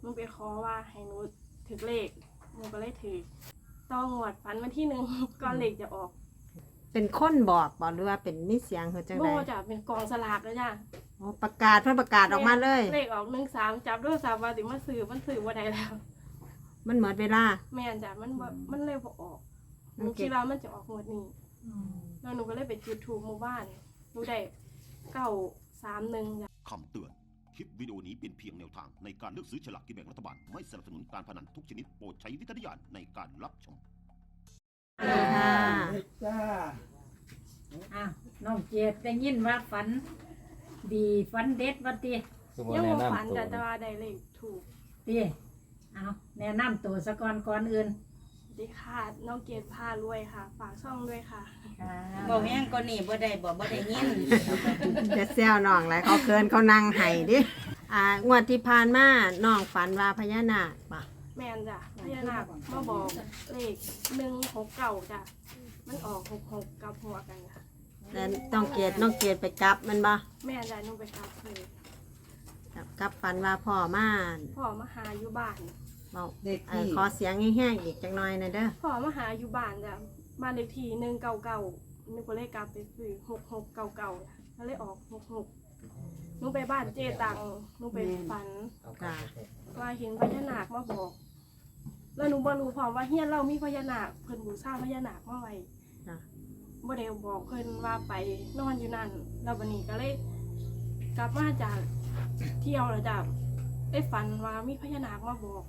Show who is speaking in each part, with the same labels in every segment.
Speaker 1: นูไปขอว่าให้หนูถือเลขหนูก็เลยถือต้องงวดฝันวันที่1ก่อนเลขจะออก
Speaker 2: เป็นคนบอกบ่หรือว่าเป็นมีเสียงเฮาจัง
Speaker 1: โบ
Speaker 2: ได๋
Speaker 1: จะเป็นกองสลากแล้วจ้ะ
Speaker 2: อ๋อประกาศเพิ่นประกาศออกมาเลย
Speaker 1: เลขออก13จับด้วย3ว่าสิมาซื้อมันซื้อบ่ได้แล้ว
Speaker 2: มันหมดเวลา
Speaker 1: แม่นจ้ะมันเลยบ่ออกหนูคิดว่ามันจะออกงวดนี้แล้วหนูก็เลยไปจุดธูปหมู่บ้านหนูได้931จ้ะ
Speaker 3: คำเตือน คลิปวิดีโอนี้เป็นเพียงแนวทางในการเลือกซื้อฉลากกินแบ่งรัฐบาล ไม่สนับสนุนการพนันทุกชนิดโปรดใช้วิจารณญาณในการรับชม
Speaker 2: ค่ะ
Speaker 4: จ้า
Speaker 5: อ้าวน้องเจดได้ยินว่าฝันดีฝันเด็ดว่าติ
Speaker 1: ยังบ่ฝันจ้ะแต่ว่าได้เลขถูก
Speaker 5: ติเอาแนะนำตัวซะก่อนก่อนอื่น
Speaker 1: ดีค่ะน้องเกดพารวยค่ะฝากช่องด้วยค่ะ
Speaker 6: บอกแห้งก็นี่บ่ได้บ่ได้ยิน
Speaker 2: จะแซวน้องหลายเขาเกินเขานั่งให้ดิงวดที่ผ่านมาน้องฝันว่าพญานาคป่ะ
Speaker 1: แม่นจ้ะพญานาคมาบอกเลข169จ้ะมันออก66กับหัวกันค่ะ
Speaker 2: แล้วน้องเกดไปกลับมันบ่
Speaker 1: แม่นจ้ะหนูไปครับเลย
Speaker 2: กลับฝันว่าพ่อมา
Speaker 1: พ่อมาหาอยู่บ้าน
Speaker 2: เว้าขอเสียงแห้งๆอีกจักหน่อยหน่อยเด้อ
Speaker 1: พ่อมาหาอยู่บ้านจ้ะบ้านเลขที่199หนูก็เลยกลับไปซื้อ6699จ้ะก็เลยออก66หนูไปบ้านเจตังหนูไปฝัน
Speaker 2: ค่ะ
Speaker 1: ว่าเห็นพญานาคมาบอก แล้วหนูบ่รู้พร้อมว่าเฮียนเรามีพญานาคเพิ่นบูชาพญานาคมาไว้
Speaker 2: ค่ะ
Speaker 1: บ่ได้บอกเพิ่นว่าไปนอนอยู่นั่นแล้วบัดนี้ก็เลยกลับมาจากเที่ยวแล้วจ้ะได้ฝันว่ามีพญานาคมาบอก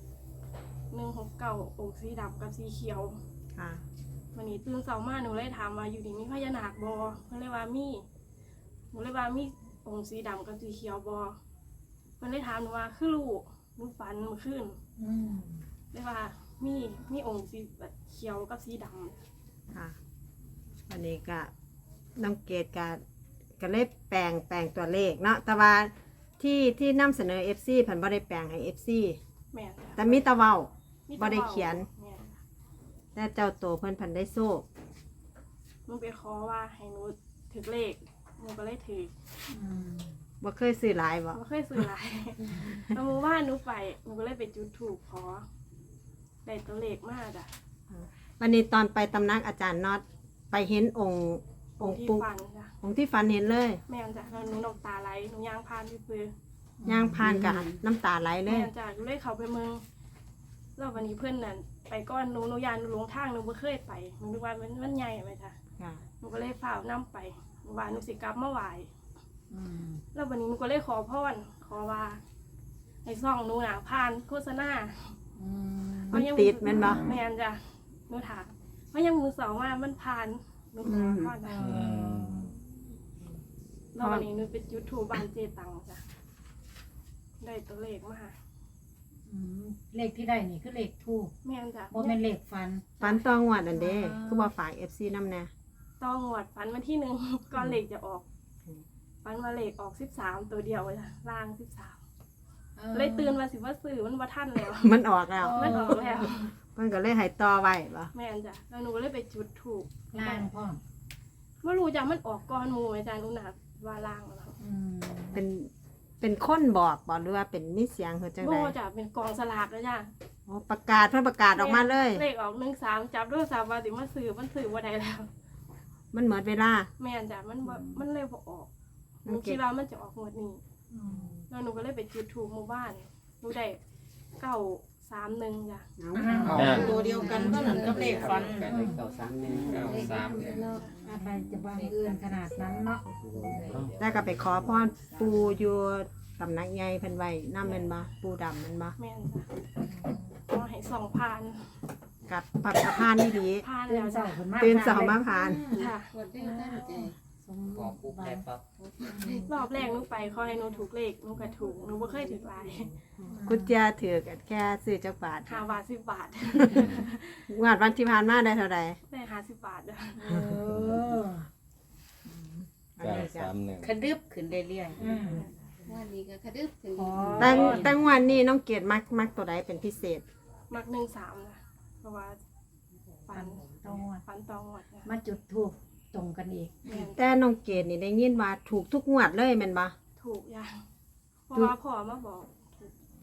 Speaker 1: 169องค์สีดำกับสีเขียว
Speaker 2: ค่ะ
Speaker 1: วันนี้ตื่นเช้ามาหนูเลยถามว่าอยู่นี่มีพญานาคบ่เพิ่นเลยว่ามีหนูเลยว่ามีองค์สีดำกับสีเขียวบ่เพิ่นเลยถามหนูว่าคือลูกหนูฝันเมื่อคืน เรียกว่ามีองค์สีแบบเขียวกับสีดำ
Speaker 2: ค่ะวันนี้ก็น้องเกดก็เลยแปลงตัวเลขเนาะแต่ว่าที่นำเสนอ FC เพิ่นบ่ได้แปลงให้ FC
Speaker 1: แม่นจ้ะ
Speaker 2: แต่มีแตะเว้า
Speaker 1: มี
Speaker 2: บ่ได้เขียน
Speaker 1: แม่นจ้ะ
Speaker 2: แต่เจ้าตัวเพิ่นได้โซ่
Speaker 1: หนูไปขอว่าให้หนูถือเลขหนูก็เลยถือ
Speaker 2: บ่เคยซื้อหลายบ่
Speaker 1: ไม่เคยซื้อหลาย แล้วหมู่บ้านหนูไปหนูก็เลยไปจุดธูปขอได้ตัวเลขมากจ้ะ
Speaker 2: วันนี้ตอนไปตำนักอาจารย์น็อตไปเห็นองค์
Speaker 1: ที่
Speaker 2: ปู่
Speaker 1: ฟันจ้ะ
Speaker 2: องค์ที่ฝันเห็นเลย
Speaker 1: แม่นจ้ะแล้วหนูน้ำตาไหลหนูย่างพานที่ปืน
Speaker 2: ย่างผ่านกับน้ำตาไหลเล
Speaker 1: แม่
Speaker 2: ย
Speaker 1: นจ้ะหนูเลยเข้าไปเมืองแล้ววันนี้เพื่อนนั่นไปก้อนหนูยานหนูหลงทางหนูไม่เคยไปหนูนึกว่ามันใหญ่ไหมจ้ะ
Speaker 2: ค่ะ
Speaker 1: หนูก็เลยฝ่าวนํไปว่าหนูสิกลับมาไหวแล้ววันนี้หนูก็เลยขอพรขอว่าให้ซ่องหนูน่ะผ่านโฆษณา
Speaker 2: มันติดแม่นบ่
Speaker 1: แม่นจ้ะหนูถามเพราะยังมือสองว่ามันผ่านหนูขอพรจ้ะแล้ววันนี้หนูเป็นยูทูบบ้านเจตังจ้ะได้ตัวเลขมา
Speaker 5: เลขที่ได้นี่คือเลขทูป
Speaker 1: แม่นจ้ะ
Speaker 5: บ่แม่นเลขฝัน
Speaker 2: ฝันตองวดนั่นเด้คือบ่ฝาก FC นำแน่
Speaker 1: ต้องงวดฝันวันที่1 ก่อนเลขจะออกฝันว่าเลขออก13ตัวเดียวจ้ะล่าง13เลยตื่นมาสิว่าซื้อมันบ่ทันแล้ว
Speaker 2: มันออกแล้ว
Speaker 1: มันออกแล้ว
Speaker 2: มันก็เลยให้ต่อไว้บ่
Speaker 1: แม่นจ้ะแล้วหนูก็เลยไปจุดถูก
Speaker 5: ล่างพ่อม
Speaker 1: ไม่รู้จ้ะมันออกก่อนหมู่อาจารย์หนูน่ะว่าล่างแล้ว
Speaker 2: เป็นคนบอกบ่หรือว่าเป็นมีเสียงเฮาจัง
Speaker 1: โบ
Speaker 2: ได๋
Speaker 1: จ้ะเป็นกองสลากแล้วจ้ะ
Speaker 2: อ๋อประกาศเพิ่นประกาศออกมาเลย
Speaker 1: เลขออก13จับด้วย3ว่าสิมาซื้อมันซื้อบ่ได้แล้ว
Speaker 2: มันหมดเวลา
Speaker 1: แม่นจ้ะมันเลยบ่ออกหนูคิดว่ามันจะออกงวดนี้แล้วหนูก็เลยไปจุดถูกหมู่บ้านหนูได้931จ้ะ
Speaker 6: ตัวเดียวกันก็นั่นกับเลขฟัน
Speaker 5: อะไรจะบางเอื้อนขนาดนั้นเนาะ
Speaker 2: แล้วก็ไปขอพรปู่อยู่สำนักใหญ่เพิ่นไว้นำแม่นบ่ปู่ดำแม่นบ่
Speaker 1: แม่นจ้ะขอให้2ผ่าน
Speaker 2: กับปักสะพานนี่ดี
Speaker 1: ผ่าน
Speaker 5: ตื่น
Speaker 1: แล้ว
Speaker 5: เช้า
Speaker 1: จ้ะ
Speaker 5: ขึ้นมา
Speaker 2: ตื่นเสาร์มาผ่าน
Speaker 1: ค่ะ
Speaker 5: สมบูรณ์บาน
Speaker 1: รอบแรกหนูไปขอให้หนูถูกเลขหนูก็ถูกหนูบ่เคยถูกหลาย
Speaker 2: กุญแจถือกันแค่ซื้อจักบาท
Speaker 1: 5 บาท10 บาท
Speaker 2: งวดวันที่ผ่านมาได้เท่าใด
Speaker 1: ได้50 บาทจ้ะ
Speaker 2: อันนี้ก็
Speaker 6: กระดึบขึ้นเรื่อย
Speaker 7: วันนี้ก็กระดึบถึง
Speaker 2: แต่งวดนี้น้องเกดมักตัวใดเป็นพิเศษ
Speaker 1: มัก13นะเพราะว่าฝัน
Speaker 5: ต้องงวด
Speaker 1: ฝันตองหมดนะ
Speaker 5: มาจุดทูปตรงกันอีก
Speaker 1: แม่น
Speaker 2: แต่น้องเกดนี่ได้ยินว่าถูกทุกงวดเลยแม่นบ่
Speaker 1: ถูกอย่างเพราะว่าพ่อมาบอกถูก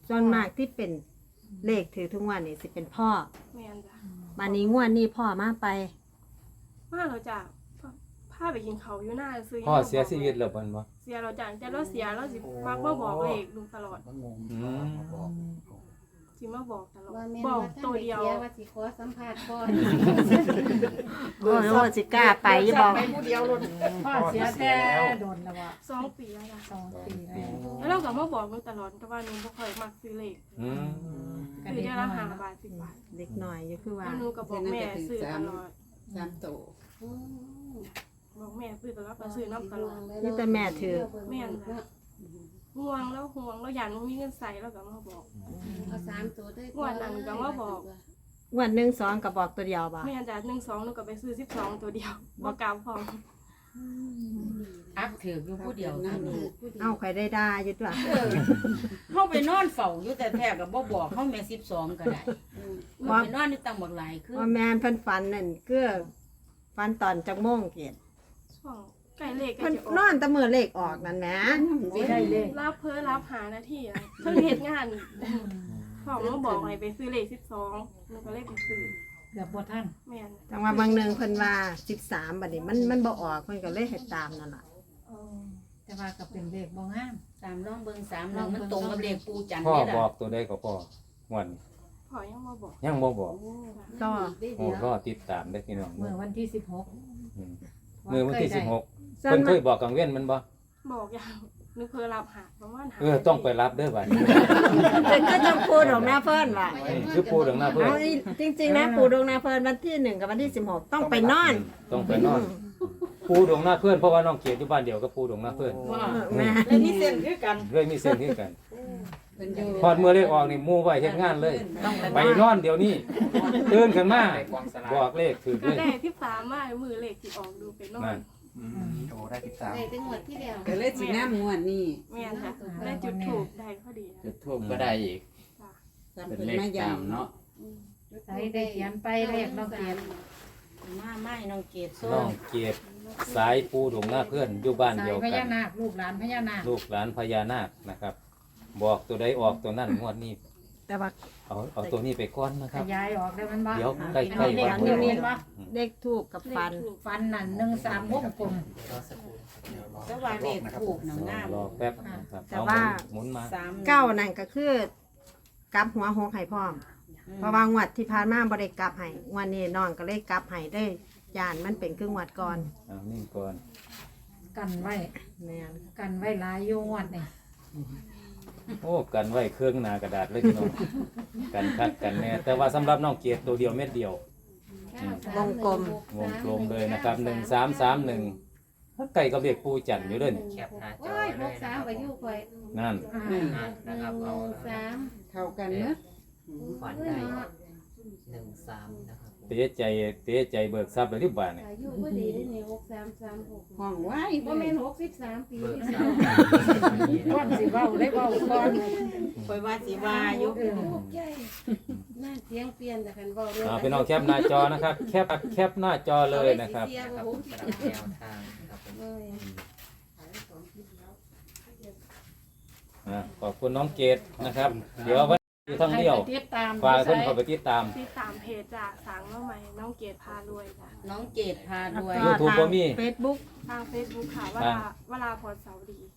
Speaker 2: ส่วนมากที่เป็นเลขถือทุกวันนี่สิเป็นพ่อ
Speaker 1: แม่นจ้ะ
Speaker 2: มานี้งวดนี้พ่อมาไป
Speaker 1: มาเราจ้ะพาไปกินเขาวอยู่หน้าซื้อ
Speaker 4: พ่อเสียชีวิตแล้วเพิ่นบ่
Speaker 1: เสียเราจ้ะแต่เราเสียเราสิมักมาบอกเลขลุงตลอด
Speaker 4: อืม
Speaker 1: สิมาบอกตลอด
Speaker 7: ว่าแม่น
Speaker 1: บอก
Speaker 7: ว่าท่าน
Speaker 1: ตัว
Speaker 7: ไป
Speaker 1: เดียว
Speaker 7: เสียว่าสิขอสัมภาษณ์ก่อน
Speaker 2: โอ้โหสิกล้าไปอย่าบอก
Speaker 5: พ่อเสียแต่โดนแล้วว่า
Speaker 1: 2 ปีแล้วจ้ะ
Speaker 5: 2 ปีแล้ว
Speaker 1: แล้วเราก็มาบอกลุงตลอดแต่ว่าหนูบ่ค่อยมักซื้อเลข
Speaker 4: อืม
Speaker 1: ซื้อได้ละ5 บาท10 บาท
Speaker 2: เด็กหน่อยอยู่คือว่า
Speaker 1: แล้วหนูก็บอกแม่ซื้อตลอด
Speaker 7: อืม
Speaker 1: บอกแม่ซื้อตลอดก็ซื้อน้ำตลอด
Speaker 2: นี่แต่แม่ถือ
Speaker 1: แม่นจ้ะห่วงแล้วอยากหนูมีเงินใส่แล้วก็มาบอก
Speaker 7: เอา3ตัวด้วย
Speaker 1: งวดนั้นก็มาบอก
Speaker 2: งวดหนึ่งสองก็บอกตัวเดียวบ่
Speaker 1: แม่นจ้ะ1 2หนูก็ไปซื้อ12ตัวเดียวบ่กลับพร้อม
Speaker 6: อักถืออยู่ผู้เดียว
Speaker 7: นั่
Speaker 6: นั่
Speaker 7: น
Speaker 6: น
Speaker 7: คือผู้ดี
Speaker 2: เอาใครได้ด่าอยู่ตัว
Speaker 6: เฮาไปนอนเฝ้าอยู่แต่แท้ก็บ่บอกเฮาแม่12ก็ได้เฮาไปนอนอยู่ตั้งบักหลายคือ
Speaker 2: ว่าแม่นเพิ่นฝันนั่นคือฝันตอนจักโมงเกต
Speaker 1: ช่วงใกล้เลขใกล้
Speaker 2: เพิ่น
Speaker 1: จะออน
Speaker 2: อก นแตะมือเลขออกนั่นแหม
Speaker 5: สิได้เลข
Speaker 1: รับเพิ่นรับหานาทีอะเพิ่งเฮ็ดงานพ่อมาบอกให้ไปซื้อเลข12หนูก็เลยไปซื้อ
Speaker 5: เกือบบ่ทัน
Speaker 1: แม่น
Speaker 2: จังว่าบางหนึงเพิ่นว่า13บัดนี้มันบ่ออกเพิ่นก็เลยให้ตามนั่นล่ะ
Speaker 5: แต่ว่าก็เป็นเลขบ่งาม
Speaker 6: ตามลองเบิ่ง3มันตรงกับเลขปูจันทร์
Speaker 4: พ่อ
Speaker 6: นี่
Speaker 4: บอ
Speaker 6: ล่ะ
Speaker 4: กตัวใดก็พ่อม่วน
Speaker 1: พ่อยังมาบอก
Speaker 4: ยังบ่บอก
Speaker 2: ก็
Speaker 4: โอ้รอติดตามเด้อพี่น้อง
Speaker 5: เมื่อวันที่16
Speaker 4: อืมมื้อวันที่16
Speaker 2: ส่ว
Speaker 4: เพิ่
Speaker 2: น
Speaker 4: นเค
Speaker 2: มาย
Speaker 4: บอกกังเว้นมันบ่
Speaker 1: บอกยังหนูเพิ่นรับหาประมาณหา
Speaker 4: ต้องไปรับเด้อบัดนี้
Speaker 2: เพิ่นก็จะพูดของหน้าเพิ่นว่า
Speaker 4: นี่คือปูดองหน้าเพิ่น
Speaker 2: เอาอีจริงๆนะปู่ดวงนาเพิ่นวันที่1กับวันที่16ต้องไปนอน
Speaker 4: ต้องไปนอนปูดองหน้าเพิ่นเพราะว่าน้องเกียรติอยู่บ้านเดียวกับปูดองหน้าเพิ่น
Speaker 6: ว่า
Speaker 2: แม่
Speaker 6: แล้วมีเส้นคือกัน
Speaker 4: เลยมีเส้นคือกันพอดเมื่อเลขออกนี่หมู่ไว้เฮ็ดงานเลย ไปนอนเดี๋ยวนี้ตื่นขึ้นมาบอกเลขถือ
Speaker 1: ก็
Speaker 4: เลย
Speaker 1: ได้13มามือเลขสิออกดูไปนอ
Speaker 4: นั่
Speaker 1: น
Speaker 4: น
Speaker 8: โอ้ได้13
Speaker 7: ได้จังหวัดที่แล้ว
Speaker 9: ก็เลยสิน้ำงวดนี่
Speaker 1: แม่นจ้ะได้จุดถูกได้พอดี
Speaker 8: จุดทูบก็ได้อีก
Speaker 1: จ้ะ
Speaker 9: ตาม
Speaker 8: เป็น
Speaker 9: เพิ่น
Speaker 8: เลข
Speaker 9: มา
Speaker 8: ตาม
Speaker 9: ย้ำ
Speaker 8: เนาะ
Speaker 5: ใส่ได้เขียนไปเลขน้องเกียรติ
Speaker 6: มาไม้น้องเกดโซ่
Speaker 4: น้องเกียรติสายปูดองหน้าเพิ่นอยู่บ้าน
Speaker 5: สา
Speaker 4: เดี
Speaker 5: ย
Speaker 4: ยว
Speaker 5: พ
Speaker 4: กั
Speaker 5: ญาน นาคลูกหลานพญานาค
Speaker 4: ลูกหลานพญานาคนะครับ บอกตัวใดออกตัวนั้นงวดนี้
Speaker 2: แต่ว่า
Speaker 4: เอาตัวนี้ไปก่อนนะค
Speaker 5: ข
Speaker 4: รับ
Speaker 5: ยายออกได้มันบ่
Speaker 4: เดี๋ยวใกล้
Speaker 5: เป็น
Speaker 4: ๆ
Speaker 5: เล
Speaker 4: วั
Speaker 5: ข
Speaker 4: น
Speaker 5: นิ
Speaker 4: นี้
Speaker 5: มิตบ่
Speaker 2: เลขทูบกับฟัน
Speaker 5: ฟันนั่น13วงกลม
Speaker 6: แต่ว่าเลขถูกหนังงาม
Speaker 4: รอแป๊บนะครับ
Speaker 2: แต่
Speaker 4: เอา
Speaker 2: ว่า
Speaker 4: หมุนมา
Speaker 2: เก้านั่นก็คือกลับหัวหกให้พร้อม เพราะว่างวดที่ผ่านมาบ่ได้กลับให้งวดนี้น้องก็เลยกลับให้ได้ย่านมันเป็นครึ่งงวดก่อน
Speaker 4: เอานิ่งก่อน
Speaker 5: กันไว้
Speaker 2: แม่น
Speaker 5: กันไว้หลายอยู่งวดนี่
Speaker 4: โอ้กันไว้เครื่องหนากระดาษเลยพี่น้องกันคักกันแน่แต่ว่าสำหรับน้องเกียรติตัวเดียวเม็ดเดียว
Speaker 2: วงกลม
Speaker 4: วงกลมเลยนะครับ1331ไก่กับเรียกปูจันทร์อยู่เด้อนี่
Speaker 8: แคปหน้าจ
Speaker 7: โอ้
Speaker 8: อย
Speaker 7: ย
Speaker 8: เล
Speaker 7: ลู
Speaker 8: ย
Speaker 7: กสาวไปอยู่ข่อย
Speaker 4: นั่น
Speaker 8: นะครับเอา
Speaker 7: 1 3
Speaker 9: เข้ากันเนอะ
Speaker 8: ฝันได้13นะครับ
Speaker 4: เตะใจเบิกทรัพย์เลยที่บ้านนี่
Speaker 7: อายุบ่ดีได้นี่6336
Speaker 9: ห้องไว้
Speaker 7: บ่แม่น63ปี
Speaker 8: เบิก
Speaker 7: นี่
Speaker 8: ทรัพย์
Speaker 5: ก่อนสิเว้าได้เว้าก่อน
Speaker 6: คอยว่าสิว่าอยู่
Speaker 7: ลูกใหญ่น่าเสียงเปลี่ยนแต่คันเว้าเรื่อง
Speaker 4: เอาพี่น้องแคปหน้าจอนะครับ แคปหน้าจอเลยนะครับ
Speaker 7: เสีย
Speaker 8: ค
Speaker 7: บ่
Speaker 8: รับ
Speaker 7: ฮู้
Speaker 8: สำหรับแนวทางครับผม
Speaker 7: เอ้ย
Speaker 4: ขอบคุณน้องเกดนะครับ เดี๋ยววันนี้ท่องเที่ยว
Speaker 5: ให้ไปติดตาม
Speaker 4: ฝากเพื่อนเข้าไปติดตาม
Speaker 1: ที่ตามเพจจ้ะสั่งมาใหม่น้องเกดพารวยจ้ะ
Speaker 6: น้องเกดพารวย
Speaker 4: YouTube บ่มี
Speaker 2: Facebook
Speaker 1: ทาง Facebook ค่ะวลาพรเสาดี